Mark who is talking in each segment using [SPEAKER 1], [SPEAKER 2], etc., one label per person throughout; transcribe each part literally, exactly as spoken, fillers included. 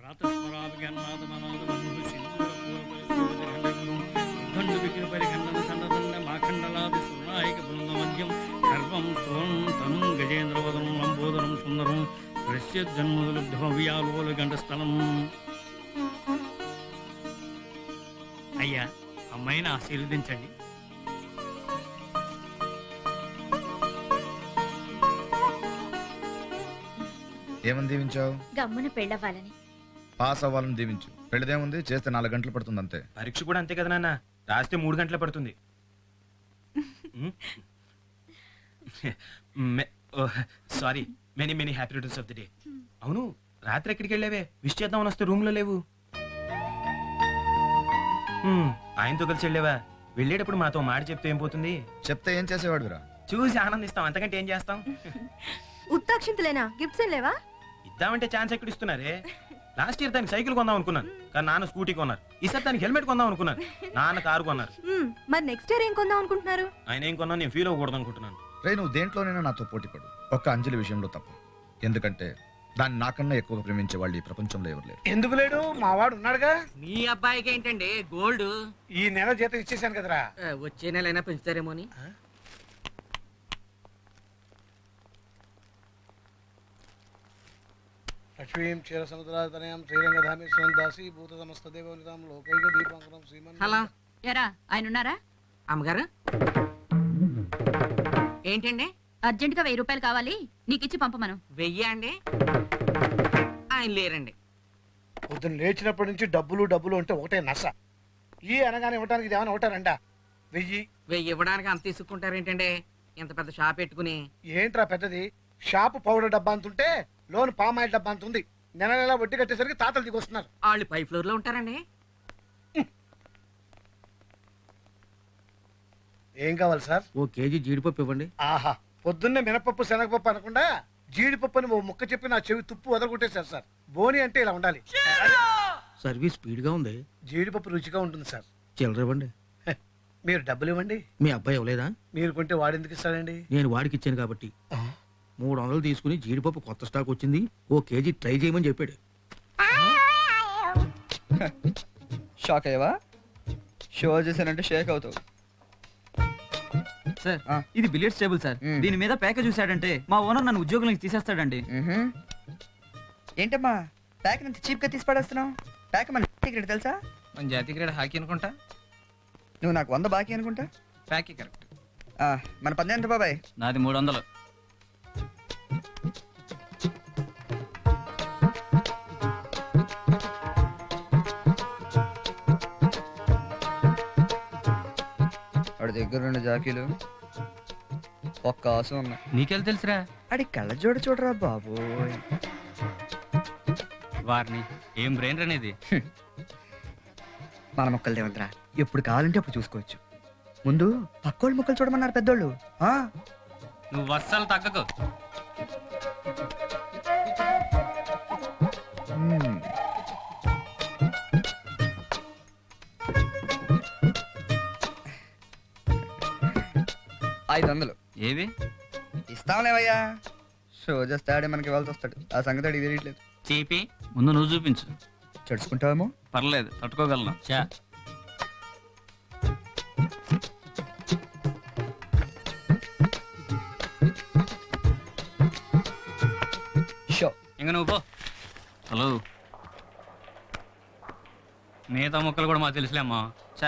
[SPEAKER 1] అయ్యా, అమ్మాయిని ఆశీర్వదించండి.
[SPEAKER 2] ఏమని దీవించావు?
[SPEAKER 3] గమ్మున పెళ్ళవ్వాలని.
[SPEAKER 2] పాస్ అవ్వాలని దీవించు. పెళ్ళదేముంది, చేస్తే నాలుగు గంటలు పడుతుంది అంతే.
[SPEAKER 4] పరీక్ష కూడా అంతే కదా నాన్న, రాస్తే మూడు గంటలు పడుతుంది. Sorry, many many happy returns of the day. అవును, రాత్రి ఎక్కడికి వెళ్ళావే? విష్ చేద్దామని వస్తే రూమ్ లో లేవు. ఆయనతో కలిసి వెళ్ళావా? వెళ్ళేటప్పుడు మాతో మాట చెప్తే ఏం పోతుంది?
[SPEAKER 2] చెప్తే ఏం చేసేవాడురా?
[SPEAKER 4] చూసి ఆనందిస్తాం, అంతకంటే ఏం చేస్తాం?
[SPEAKER 5] ఉత్తాక్షింతలేనా? గిఫ్ట్స్ ఏం లేవా?
[SPEAKER 4] ఇద్దామంటే ఛాన్స్ ఎక్కడ ఇస్తున్నారే? లాస్ట్ ఇయర్ దానికి సైకిల్ కొందాం అనుకున్నాను, కానీ నాన్న స్కూటీ కొన్నారు. ఈసారి దానికి హెల్మెట్ కొందాం అనుకున్నాను, నాన్న కారు కొన్నారు.
[SPEAKER 5] మరి నెక్స్ట్ ఇయర్ ఏం కొందాం అనుకుంటున్నారు?
[SPEAKER 4] ఆయన ఏం కొన్నా నేను ఫీల్ అవ్వకూడదు అనుకుంటున్నాను.
[SPEAKER 2] రే, నువ్వు దేంట్లోనైనా నాతో పోటీ పడు, ఒక్క అంజలి విషయంలో తప్ప. ఎందుకంటే దాన్ని నాకన్నా ఎక్కువగా ప్రేమించే వాళ్ళు ఈ ప్రపంచంలో ఎవరు లేరు.
[SPEAKER 6] ఎందుకు లేడు? మా వాడు ఉన్నాడుగా.
[SPEAKER 7] మీ అబ్బాయికి ఏంటండి గోల్డ్?
[SPEAKER 6] ఈ నెల జీతం ఇచ్చేసాను కదరా.
[SPEAKER 7] వచ్చే నెల అయినా పెంచుతారేమో అని.
[SPEAKER 6] లక్ష్మీం క్షీర సముద్రాతనయం శ్రీరంగధామేశ్వరం దాసి భూత సమస్త దేవనితాం లోకైక దీపాంకరం శ్రీమన్.
[SPEAKER 3] హలో, ఎరా ఆయన ఉన్నారా?
[SPEAKER 7] అమ్మగారు ఏంటండి?
[SPEAKER 3] అర్జెంట్ గా వెయ్యి రూపాయలు కావాలి, నీకు ఇచ్చి పంపమను.
[SPEAKER 7] వెయ్యి అండి? ఆయన లేరండి.
[SPEAKER 6] పొద్దున్న లేచినప్పటి నుంచి డబ్బులు డబ్బులు అంటే ఒకటే నస. ఈ అనగానే ఇవ్వడానికి ఇది ఏమైనా ఒకటారండా? వెయ్యి
[SPEAKER 7] వెయ్యి ఇవ్వడానికి అంత తీసుకుంటారేంటండి? ఇంత పెద్ద షాప్ పెట్టుకుని.
[SPEAKER 6] ఏంట్రా పెద్దది? షాపు పౌడర్ డబ్బా అంతుంటే లోన్ పామాయిల్ డబ్బా అంత ఉంది. నెల నెల వడ్డీ కట్టేసరికి తాతలు దిగొస్తున్నారు.
[SPEAKER 7] వాళ్ళు పై ఫ్లోర్ లో ఉంటారండి.
[SPEAKER 6] ఏం కావాలి సార్?
[SPEAKER 8] ఓ కేజీ జీడిపప్పు ఇవ్వండి.
[SPEAKER 6] ఆహా, పొద్దున్నే మినపప్పు శనగపప్పు అనకుండా జీడిపప్పు అని ఓ ముక్క చెప్పి నా చెవి తుప్పు వదలగొట్టేశారు సార్. బోని అంటే ఇలా ఉండాలి.
[SPEAKER 8] సర్వీస్ స్పీడ్ గా ఉంది.
[SPEAKER 6] జీడిపప్పు రుచిగా ఉంటుంది సార్.
[SPEAKER 8] చిల్లర ఇవ్వండి.
[SPEAKER 6] మీరు డబ్బులు ఇవ్వండి.
[SPEAKER 8] మీ అబ్బాయి ఇవ్వలేదా?
[SPEAKER 6] మీరు కొంటే వాడెందుకు ఇస్తాడండి?
[SPEAKER 8] నేను వాడికి ఇచ్చాను కాబట్టి. మూడు వందలు తీసుకుని జీడిపప్పు కొత్త స్టాక్ వచ్చింది, ఓ కేజీ ట్రై చేయమని చెప్పాడు.
[SPEAKER 9] షాక్ అయ్యవా? షో చేశానంటే షేక్ అవుతావు.
[SPEAKER 10] సార్, ఇది బిలియర్డ్స్ టేబుల్ సార్. దీని మీద ప్యాక చూసాడంటే మా ఓనర్ నన్ను ఉద్యోగం నుంచి తీసేస్తాడండి.
[SPEAKER 9] ఏంటమ్మా ప్యాక్ నుంచి చీప్ గా తీసి పడేస్తున్నావు? ప్యాక్ మన క్రికెట్ తెలుసా?
[SPEAKER 10] మన జాతీయ క్రీడ హాకీ అనుకుంటా.
[SPEAKER 9] నువ్వు నాకు వంద బాకీ అనుకుంటా.
[SPEAKER 10] ప్యాకీ కరెక్ట్.
[SPEAKER 9] మన పద్దె ఎంత బాబాయ్?
[SPEAKER 10] నాది మూడు వందలు.
[SPEAKER 9] వాడి దగ్గర రెండు జాకీలు, ఒక్క ఆసు ఉన్నా.
[SPEAKER 10] నీకెళ్ళి తెలుసురా?
[SPEAKER 9] అడి కళ్ళ జోడ చూడరా బాబు.
[SPEAKER 10] వారిని ఏం బ్రెయిన్ అనేది.
[SPEAKER 9] మన మొక్కలు దేవంతరా, ఎప్పుడు కావాలంటే అప్పుడు చూసుకోవచ్చు. ముందు పక్కోళ్ళు మొక్కలు చూడమన్నారు పెద్దోళ్ళు.
[SPEAKER 10] నువ్వు వత్సలు తగ్గకు.
[SPEAKER 9] ఐదు వందలు
[SPEAKER 10] ఏవి
[SPEAKER 9] ఇస్తాంలేవయ్యా. షో చేస్తాడే మనకి ఇవ్వాల్సి వస్తాడు. ఆ సంగతి అడిగి తెలియట్లేదు.
[SPEAKER 10] చీపి ముందు నువ్వు చూపించు.
[SPEAKER 9] చడుచుకుంటావేమో.
[SPEAKER 10] పర్లేదు, తట్టుకోగలను. చా
[SPEAKER 9] షో
[SPEAKER 10] ఇంక నువ్వు పో. హలో, మిగతా మొక్కలు కూడా మాకు తెలుసులే అమ్మా. చా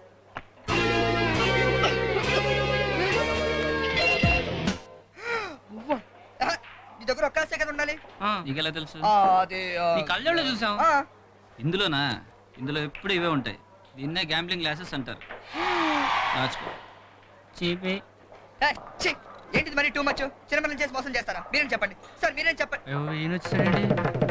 [SPEAKER 9] దగ్గర ఒక్కసే కదా ఉండాలి.
[SPEAKER 10] నీకెలా తెలుసు?
[SPEAKER 9] అది
[SPEAKER 10] నీ కళ్ళల్లో చూసాం. ఇందులోనా? ఇందులో ఎప్పుడు ఇవే ఉంటాయి. దీన్నే గ్యాంబ్లింగ్ గ్లాసెస్ అంటారు. రాచుకో. చీపి
[SPEAKER 9] ఏంటిది మరి టూ మచ్? చిన్నపిల్లలు చేసి మోసం చేస్తారా? మీరేం చెప్పండి సార్, మీరేం చెప్పండి.
[SPEAKER 10] ఈయన వచ్చాడండి.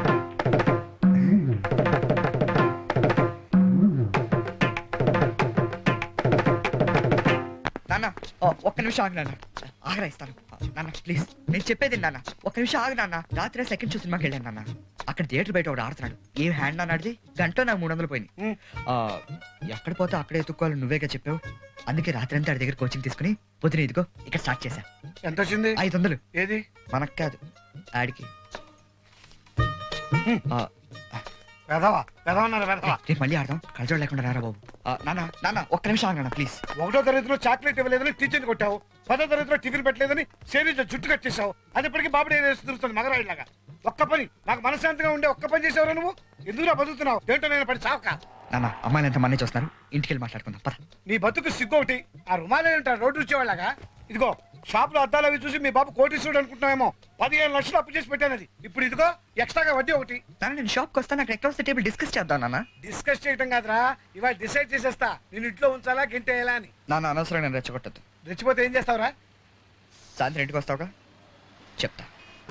[SPEAKER 9] నాన్న ఒక్క నిమిషం ఆగి నాన్న, ఆగరా ఇస్తాను నాన్న ప్లీజ్. నేను చెప్పేది నాన్న, ఒక్క నిమిషం ఆగి నాన్న. రాత్రి సెకండ్ షో సినిమాకి వెళ్ళాను నాన్న. అక్కడ థియేటర్ బయట ఒకటి ఆడుతున్నాడు. ఏం హ్యాండ్ అన్నాడిది గంట నాకు మూడు వందలు పోయినాయి. ఎక్కడ పోతే అక్కడే ఎత్తుక్కోవాలి నువ్వేగా చెప్పావు. అందుకే రాత్రి అంతా ఆడి దగ్గర కోచింగ్ తీసుకుని పొద్దున ఇదిగో ఇక్కడ స్టార్ట్ చేశా.
[SPEAKER 6] ఎంత వచ్చింది?
[SPEAKER 9] ఐదు వందలు.
[SPEAKER 6] ఏది?
[SPEAKER 9] మనకు కాదు, ఆడికి.
[SPEAKER 6] వెధవా వెధవన్నారు వెధవా.
[SPEAKER 9] రేపు మళ్ళీ ఆడదాం కలజోడు లేకుండా రారా బాబు. ఆ, నాన్న నాన్న ఒక్క నిమిషం ఆగనా ప్లీజ్.
[SPEAKER 6] ఒకటో తరగతిలో చాక్లెట్ ఇవ్వలేదని టీచర్ని కొట్టావు, పదో తరగతిలో టిఫిన్ పెట్టలేదని సేవించ జుట్టు కట్టేశావు. అది ఇప్పటికీ బాబుడే తిరుగుతుంది మగరాయిలాగా. ఒక్క పని నాకు మనశాంతిగా ఉండే ఒక్క పని చేసేవారు నువ్వు. ఎందుకురా బతుకుతున్నావు? ఏంటో నేను పడి చావక.
[SPEAKER 9] నాన్న అమ్మాయిలు ఎంత మంది చూస్తున్నారు, ఇంటికి వెళ్ళి మాట్లాడుకుందాం పద.
[SPEAKER 6] నీ బతుకు సిగ్గు ఒకటి. ఆ రుమాలే ఉంటారు రోడ్డు వచ్చేవాళ్ళగా. ఇదిగో షాప్ లో అద్దాలు అవి చూసి మీ బాబు కోటీశ్వరుడు అనుకుంటున్నామేమో. పదిహేను లక్షలు అప్పు చేసి పెట్టాను. అది ఇప్పుడు ఇదిగో ఎక్స్ట్రాగా వడ్డీ ఒకటి.
[SPEAKER 9] నాన్న నేను షాప్కి వస్తాను, అక్కడ ఎక్కడ వస్తే టేబుల్ డిస్కస్ చేద్దాం నాన్న.
[SPEAKER 6] డిస్కస్ చేయటం కాదురా, ఇవాళ డిసైడ్ చేసేస్తా నేను ఇంట్లో ఉంచాలా గింటేయాలా అని.
[SPEAKER 9] నాన్న అనవసరం నేను రెచ్చగొట్టద్దు.
[SPEAKER 6] రెచ్చిపోతే ఏం చేస్తావురా?
[SPEAKER 9] సాయంత్రం ఇంటికి వస్తావుగా చెప్తా.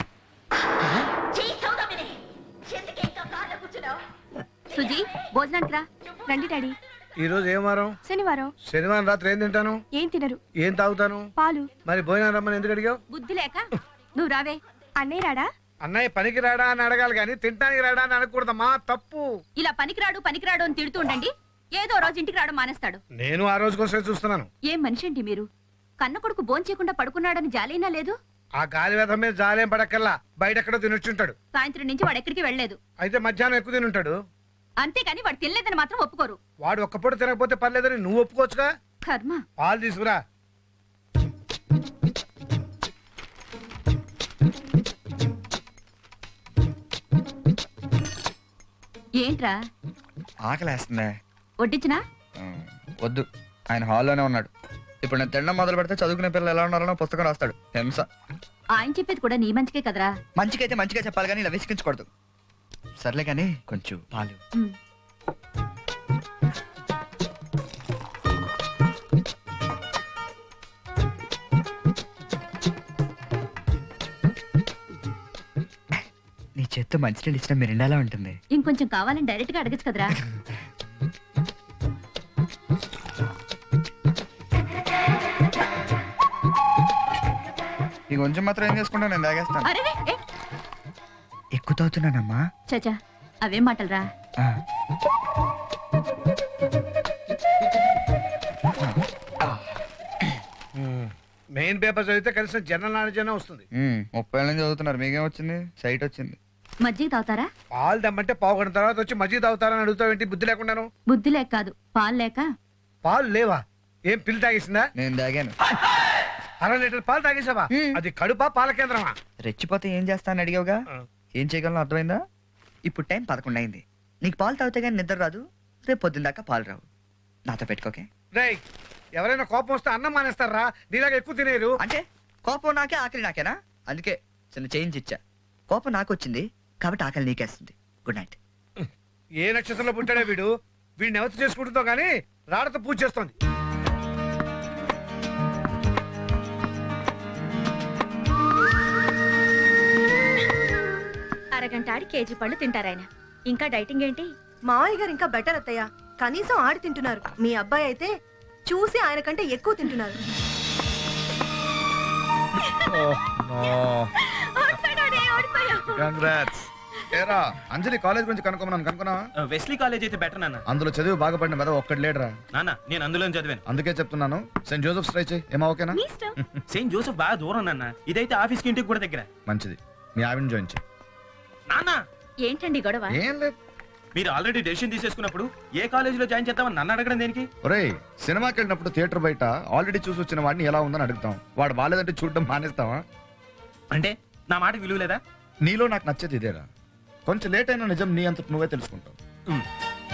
[SPEAKER 3] సుజీ భోజనానికి రా.
[SPEAKER 5] రండి డాడీ.
[SPEAKER 6] ఈ రోజు ఏం వారం?
[SPEAKER 5] శనివారం.
[SPEAKER 6] శనివారం రాత్రి ఏం తింటాను?
[SPEAKER 5] ఏం తినరు.
[SPEAKER 6] ఏం తాగుతాను?
[SPEAKER 5] పాలు.
[SPEAKER 6] మరి భోజనం రమ్మని ఎందుకు అడిగావు?
[SPEAKER 3] బుద్ధి లేక నువ్వు రావే.
[SPEAKER 5] అన్నయ్య రాడా?
[SPEAKER 6] అన్నయ్య పనికి రాడా అని అడగాలి కానీ తింటానికి రాడా అని అనకూడదమ్మా, తప్పు.
[SPEAKER 3] ఇలా పనికిరాడు పనికిరాడు అని తిడుతూ ఉండండి, ఏదో రోజు ఇంటికి రావడం మానేస్తాడు.
[SPEAKER 6] నేను ఆ రోజు కోసమే చూస్తున్నాను.
[SPEAKER 3] ఏం మనిషి అండి మీరు? కన్న కొడుకు భోంచేయకుండా పడుకున్నాడని జాలైనా లేదు?
[SPEAKER 6] ఆ గాలి వేధం మీద జాలేం పడక్కల్లా బయట ఎక్కడో తినొచ్చుంటాడు.
[SPEAKER 3] సాయంత్రం నుంచి వాడు ఎక్కడికి వెళ్ళలేదు.
[SPEAKER 6] అయితే మధ్యాహ్నం ఎక్కువ తినుంటాడు.
[SPEAKER 3] అంతేగాని వాడు తినలేదని మాత్రం ఒప్పుకోరు.
[SPEAKER 6] వాడు ఒక్క పూట తినకపోతే పర్లేదని నువ్వు ఒప్పుకోవచ్చుగా.
[SPEAKER 3] కర్మ.
[SPEAKER 6] పాలు తీసుకురా.
[SPEAKER 3] ఏంట్రా
[SPEAKER 9] ఆకలేస్తుందే.
[SPEAKER 3] వడ్డించినా?
[SPEAKER 9] ఉమ్, వద్దు, ఆయన హాల్లోనే ఉన్నాడు. ఇప్పుడు నేను తినడం మొదలు పెడితే చదువుకునే పిల్లలు ఎలా ఉన్నారో పుస్తకం రాస్తాడు. హింస.
[SPEAKER 3] ఆయన చెప్పేది కూడా నీ మంచికే కదరా.
[SPEAKER 9] మంచికైతే మంచిగా చెప్పాలి కానీ ఇలా విసిగించకూడదు. సర్లే కానీ కొంచెం పాలు.
[SPEAKER 3] ఉమ్.
[SPEAKER 9] నీ చేత్తో మంచినీళ్ళు ఇచ్చిన మిరిండాలా ఉంటుంది.
[SPEAKER 3] ఇంకొంచెం కావాలని డైరెక్ట్ గా అడగచ్చు కదరా.
[SPEAKER 9] ఈ కొంచెం మాత్రం ఏం చేసుకుంటా నేను తాగేస్తాను.
[SPEAKER 3] అరే ఏ,
[SPEAKER 9] ఎక్కువ తాగుతున్నానమ్మా.
[SPEAKER 3] చచా అవేం మాటలరా.
[SPEAKER 9] ఆ.
[SPEAKER 6] మెయిన్ పేపర్ చదివితే కనీసం జనరల్ నాలెడ్జ్ అయినా వస్తుంది.
[SPEAKER 9] ఉమ్, ముప్పై ఏళ్ళ నుంచి చదువుతున్నారు, మీకేం వచ్చింది? సైట్ వచ్చింది.
[SPEAKER 3] మజ్జిగ తాగుతారా?
[SPEAKER 6] పాలు దమ్మంటే పావు గంట తర్వాత వచ్చి మజ్జిగ తాగుతారని అడుగుతావు ఏంటి? బుద్ధి లేకుండాను.
[SPEAKER 3] బుద్ధి లేక కాదు, పాలు లేక.
[SPEAKER 6] పాలు లేవా? ఏం పిల్లి తాగేసిందా?
[SPEAKER 9] నేను తాగాను.
[SPEAKER 6] అర లీటర్ పాలు తాగేసావా? అది కడుపా పాల కేంద్రమా?
[SPEAKER 9] రెచ్చిపోతే ఏం చేస్తాను అడిగావుగా. ఏం చేయగలను అర్థమైందా? ఇప్పుడు టైం పదకొండు అయింది. నీకు పాలు తాగితే కానీ నిద్ర రాదు, రేపు పొద్దున్న దాకా పాలు రావు. నాతో పెట్టుకోకే.
[SPEAKER 6] రేయ్, ఎవరైనా కోపం వస్తే అన్నం మానేస్తారా? నీలాగా ఎక్కువ తినేరు.
[SPEAKER 9] అంటే కోపం నాకే ఆకలి నాకేనా? అందుకే చిన్న చేంజ్ ఇచ్చా. కోపం నాకు వచ్చింది కాబట్టి ఆకలి నీకేస్తుంది. Good night.
[SPEAKER 6] ఏ నక్షత్రంలో పుట్టాడే వీడు? వీడిని ఎవరు చేసుకుంటుందో గానీ రాడతో పూజ చేస్తోంది.
[SPEAKER 3] అరగంట ఆడి కేజీ పళ్ళు తింటారాయన. ఇంకా డైటింగ్ ఏంటి?
[SPEAKER 5] మావయ్య గారు ఇంకా బెటర్ అత్తయ్య. కనీసం ఆడి తింటున్నారు. మీ అబ్బాయి అయితే చూసి ఆయన కంటే ఎక్కువ తింటున్నారు.
[SPEAKER 2] కంగ్రాట్స్. ఏరా అంజలి కాలేజ్ గురించి కనుక్కోమన్నాను, కనుక్కున్నావా?
[SPEAKER 4] వెస్లీ కాలేజ్ అయితే బెటర్ నాన్న.
[SPEAKER 2] అందులో చదివి బాగుపడిన మీద ఒక్కటి లేడరా.
[SPEAKER 4] నాన్న నేను అందులో చదివాను.
[SPEAKER 2] అందుకే చెప్తున్నాను సెయింట్ జోసెఫ్ ట్రై చేయి. ఏమా ఓకేనా?
[SPEAKER 4] సెయింట్ జోసెఫ్ బాగా దూరం నాన్న. ఇదైతే ఆఫీస్ కి ఇంటికి కూడా దగ్గర.
[SPEAKER 2] మంచిది, మీ ఆవిడని జాయిన్ చేయి.
[SPEAKER 4] నాన్న
[SPEAKER 3] ఏంటండి గొడవ?
[SPEAKER 2] ఏం లేదు.
[SPEAKER 4] మీరు ఆల్రెడీ డెసిషన్ తీసేసుకున్నప్పుడు ఏ కాలేజీలో జాయిన్ చేద్దామని నన్ను అడగడం దేనికి?
[SPEAKER 2] ఒరేయ్, సినిమాకి వెళ్ళినప్పుడు థియేటర్ బయట ఆల్రెడీ చూసి వచ్చిన వాడిని ఎలా ఉందని అడుగుతాం. వాడు బాలేదంటే చూడడం మానేస్తావా?
[SPEAKER 4] అంటే నా మాట విలువ లేదా?
[SPEAKER 2] నీలో నాకు నచ్చేది ఇదేరా. కొంచెం లేట్ అయినా నిజం నీ అంతటి నువ్వే తెలుసుకుంటావు.
[SPEAKER 4] Um.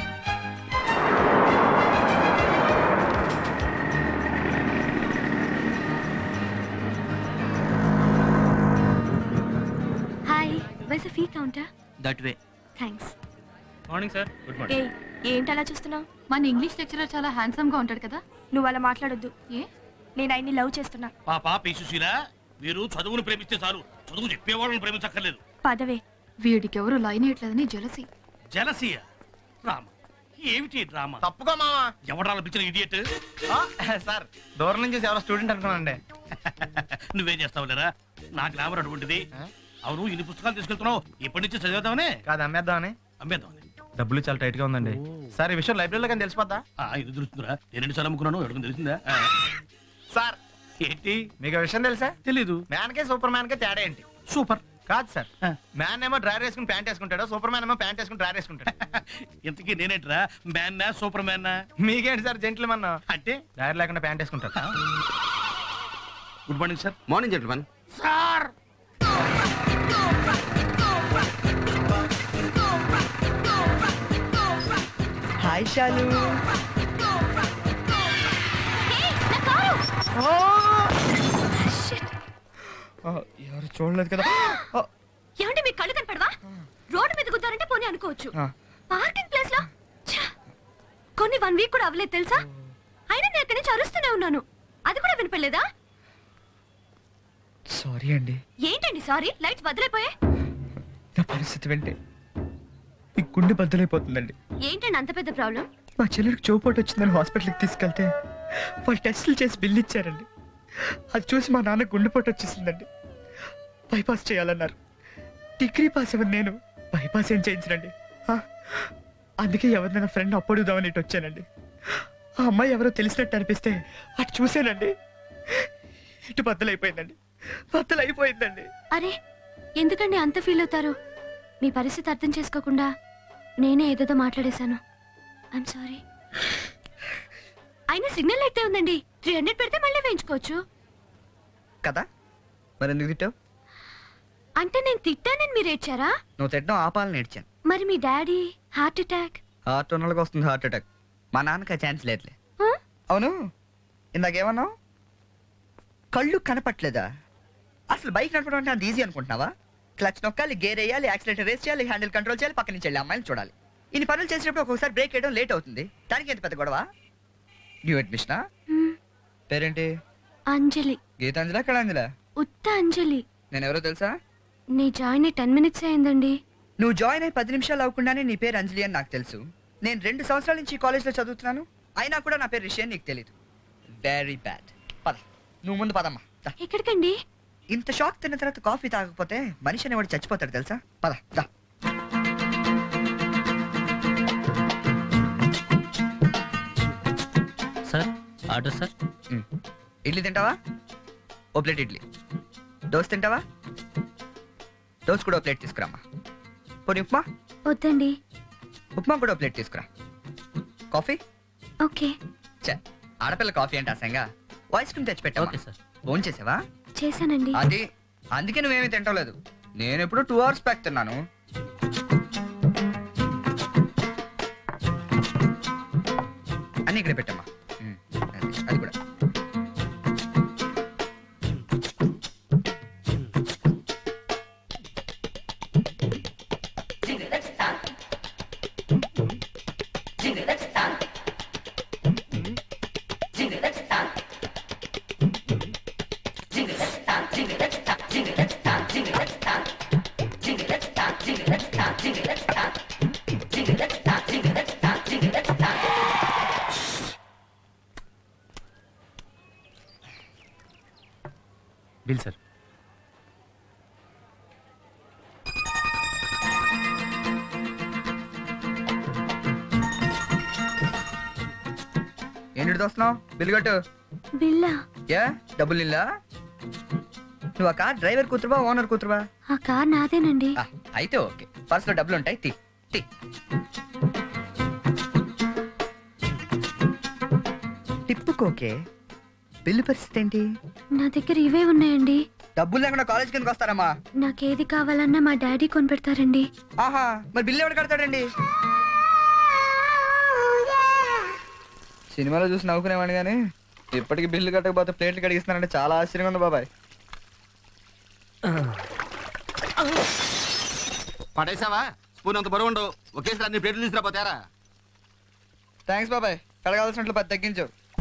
[SPEAKER 5] Hi, where's fee counter?
[SPEAKER 10] That way.
[SPEAKER 5] Thanks.
[SPEAKER 4] Morning sir. Good morning.
[SPEAKER 5] ఏ ఏంటి అలా చూస్తున్నావు?
[SPEAKER 3] మన ఇంగ్లీష్ లెక్చరర్ చాలా హ్యాండ్సమ్ గా ఉంటాడు కదా.
[SPEAKER 5] నువ్వు అలా మాట్లాడొద్దు.
[SPEAKER 3] ఏ?
[SPEAKER 5] నేను ఆయన్ని లవ్ చేస్తున్నా.
[SPEAKER 8] పాపా పీసుశీల, మీరు చదువును ప్రేమిస్తే చాలు, చదువు చెప్పేవాళ్ళని ప్రేమించక్కర్లేదు.
[SPEAKER 5] పదవే.
[SPEAKER 3] వీడికి ఎవరు లైన్ వేయట్లేదని జలసి.
[SPEAKER 8] జలసియ డ్రామా ఏమిటి డ్రామా?
[SPEAKER 4] తప్పుగా మావా.
[SPEAKER 8] ఎవడాల పిచ్చిన ఇడియట్?
[SPEAKER 4] సార్ దూరం నుంచి ఎవరో స్టూడెంట్ అనుకున్నానండి.
[SPEAKER 8] నువ్వేం చేస్తావు లేరా? నా గ్లామర్ అటువంటిది. అవును, ఇన్ని పుస్తకాలు తీసుకెళ్తున్నావు, ఇప్పటి నుంచి చదివేద్దామని
[SPEAKER 4] కాదు అమ్మేద్దామని.
[SPEAKER 8] అమ్మేద్దామని.
[SPEAKER 4] డబ్బులు చాలా టైట్ గా ఉందండి సార్. ఈ విషయం లైబ్రరీలో కానీ తెలిసిపోద్దా?
[SPEAKER 8] ఆ, ఇది తెలుస్తుందిరా. నేను రెండు సార్లు అమ్ముకున్నాను, ఎవరికి తెలిసిందా? ఆ.
[SPEAKER 4] సార్
[SPEAKER 8] ఏంటి?
[SPEAKER 4] మీకు విషయం తెలుసా?
[SPEAKER 8] తెలీదు.
[SPEAKER 4] మ్యాన్ కే సూపర్ మ్యాన్ కే తేడా ఏంటి?
[SPEAKER 8] సూపర్
[SPEAKER 4] కాదు సార్, మ్యాన్ ఏమో డ్రైవర్ వేసుకుని ప్యాంట్ వేసుకుంటాడు, సూపర్ మ్యాన్ ఏమో ప్యాంట్ వేసుకుని డ్రైవర్ వేసుకుంటాడు.
[SPEAKER 8] ఇంతకీ నేనేట్రా, మ్యాన్నా సూపర్ మ్యాన్నా?
[SPEAKER 4] మీకేంటి సార్ జెంట్లు మన్నా
[SPEAKER 8] అంటే
[SPEAKER 4] డ్రైవర్ లేకుండా ప్యాంట్ వేసుకుంటారు.
[SPEAKER 8] Good morning sir.
[SPEAKER 11] Morning gentlemen.
[SPEAKER 8] Sir
[SPEAKER 9] hi Shalu. ఎవరు చూడలేదు కదా.
[SPEAKER 3] ఏమంటే మీకు కళ్ళు కనపడవా? రోడ్డు మీద గుద్దారంటే పోనీ అనుకోవచ్చు, పార్కింగ్ ప్లేస్ లో ఛ! కొన్ని వన్ వీక్ కూడా అవ్వలేదు తెలుసా. అయినా నేను ఎక్కడి నుంచి అరుస్తూనే ఉన్నాను, అది కూడా వినపడలేదా?
[SPEAKER 9] సారీ అండి.
[SPEAKER 3] ఏంటండి సారీ? లైట్స్ బదులైపోయాయి.
[SPEAKER 9] నా పరిస్థితి వింటే మీ గుండె బద్దలైపోతుందండి.
[SPEAKER 3] ఏంటండి అంత పెద్ద ప్రాబ్లం?
[SPEAKER 9] మా చెల్లెడికి చోపోటు వచ్చిందని హాస్పిటల్కి తీసుకెళ్తే వాళ్ళు టెస్టులు చేసి బిల్లు ఇచ్చారండి. అది చూసి మా నాన్న గుండెపోటు వచ్చేసిందండి. బైపాస్ చేయాలన్నారు. డిగ్రీ పాస్ అవ్వను నేను, బైపాస్ ఏం చేయించనండి. అందుకే ఎవరినైనా ఫ్రెండ్ అప్పడుదామని ఇటు వచ్చానండి. ఆ అమ్మాయి ఎవరో తెలిసినట్టు అనిపిస్తే అటు చూసానండి, ఇటు బద్దలైపోయిందండి, బద్దలైపోయిందండి.
[SPEAKER 3] అరే ఎందుకండి అంత ఫీల్ అవుతారు? మీ పరిస్థితి అర్థం చేసుకోకుండా నేనే ఏదేదో మాట్లాడేశాను. I'm sorry. అయినా సిగ్నల్ అయితే ఉందండి, త్రీ హండ్రెడ్ పెడితే మళ్ళీ వేయించుకోవచ్చు
[SPEAKER 9] కదా. మరి ఎందుకు తిట్టావు?
[SPEAKER 3] అంటే నేను తిట్టానని మీరు ఏడ్చారా?
[SPEAKER 9] నువ్వు తిట్టడం ఆపాలని నేర్చాను.
[SPEAKER 3] మరి మీ డాడీ హార్ట్ అటాక్?
[SPEAKER 9] హార్ట్ ఉన్న వాళ్ళకి వస్తుంది హార్ట్ అటాక్, మా నాన్నకి ఆ ఛాన్స్ లేదులే. అవును, ఇందాకేమన్నావు? కళ్ళు కనపట్లేదా? అసలు బైక్ నడపడం అంటే అంత ఈజీ అనుకుంటున్నావా? క్లచ్ నొక్కాలి, గేర్ వేయాలి, యాక్సిలేటర్ రేస్ చేయాలి, హ్యాండిల్ కంట్రోల్ చేయాలి, పక్క నుంచి వెళ్ళి అమ్మాయిని చూడాలి. ఇన్ని పనులు చేసినప్పుడు ఒక్కొక్కసారి బ్రేక్ వేయడం లేట్ అవుతుంది. దానికి ఎంత పెద్ద గొడవ? న్యూ అడ్మిషనా? పేరేంటి?
[SPEAKER 3] అంజలి.
[SPEAKER 9] గీతాంజలా కళాంజలా?
[SPEAKER 3] ఉత్త అంజలి.
[SPEAKER 9] నేను ఎవరో తెలుసా?
[SPEAKER 3] నీ జాయిన్ అయ్యి టెన్ మినిట్స్ అయిందండి.
[SPEAKER 9] నువ్వు జాయిన్ అయ్యి పది నిమిషాలు అవ్వకుండానే నీ పేరు అంజలి అని నాకు తెలుసు. నేను రెండు సంవత్సరాల నుంచి కాలేజ్లో చదువుతున్నాను, అయినా కూడా నా పేరు రిషి అని నీకు తెలీదు. Very bad. పద, నువ్వు ముందు పదమ్మా.
[SPEAKER 3] ఎక్కడికండి?
[SPEAKER 9] ఇంత షాక్ తిన్న తర్వాత కాఫీ తాగకపోతే మనిషి అనేవాడు చచ్చిపోతాడు తెలుసా. పద దా.
[SPEAKER 10] Sir order sir.
[SPEAKER 9] ఇడ్లీ తింటావా? ఓ ప్లేట్ ఇడ్లీ. దోశ తింటావా? దోశ కూడా ఓ ప్లేట్ తీసుకురామ్మా. పోనీ ఉప్మా?
[SPEAKER 3] వద్దండి.
[SPEAKER 9] ఉప్మా కూడా ఓ ప్లేట్ తీసుకురా. కాఫీ?
[SPEAKER 3] ఓకే.
[SPEAKER 9] చే ఆడపిల్ల కాఫీ అంటే అసంగా. ఐస్ క్రీమ్ తెచ్చి పెట్టా.
[SPEAKER 10] Okay sir.
[SPEAKER 9] ఫోన్ చేసావా?
[SPEAKER 3] చేశానండి.
[SPEAKER 9] అది అందుకే నువ్వేమీ తింటలేదు. నేను ఎప్పుడు టూ అవర్స్ బ్యాక్ తిన్నాను. అన్ని ఇక్కడ పెట్టమ్మా. అది అది కూడా.
[SPEAKER 4] Bill sir.
[SPEAKER 9] ఏంటి వస్తున్నావు? బిల్ కట్టు.
[SPEAKER 3] బిల్లా?
[SPEAKER 9] యా డబ్బులు ఇల్లా? నువ్వు ఆ కార్ డ్రైవర్ కూతురువా ఓనర్ కూతురువా?
[SPEAKER 3] ఆ కార్ నాదేనండి.
[SPEAKER 9] అయితే ఓకే, పర్స్ లో డబ్బులు ఉంటాయి, తీ తీ. టిప్పుకోకే. బిల్లు పరిస్థితి ఏంటి?
[SPEAKER 3] నా దగ్గర ఇవే ఉన్నాయండి.
[SPEAKER 9] డబ్బులు లేకుండా కాలేజ్ కిందకి వస్తారమ్మా.
[SPEAKER 3] నాకేది కావాలన్నా మా డాడీ కొనిపెడతారండి.
[SPEAKER 9] ఆహా, మరి బిల్లు ఎవరు కడతాడండి? సినిమాలో చూసి నవ్వుకునేవాడిని కానీ ఇప్పటికి బిల్లు కట్టకపోతే ప్లేట్లు కడిగిస్తున్నారంటే చాలా ఆశ్చర్యంగా ఉంది బాబాయ్.
[SPEAKER 11] పడేసావా? స్పూన్ అంత బరువు ఉండవు, ఒకేసారి అన్ని ప్లేట్లు తీసుకురాపోతారా?
[SPEAKER 9] థ్యాంక్స్ బాబాయ్, కడగాల్సినట్లు పది తగ్గించావు.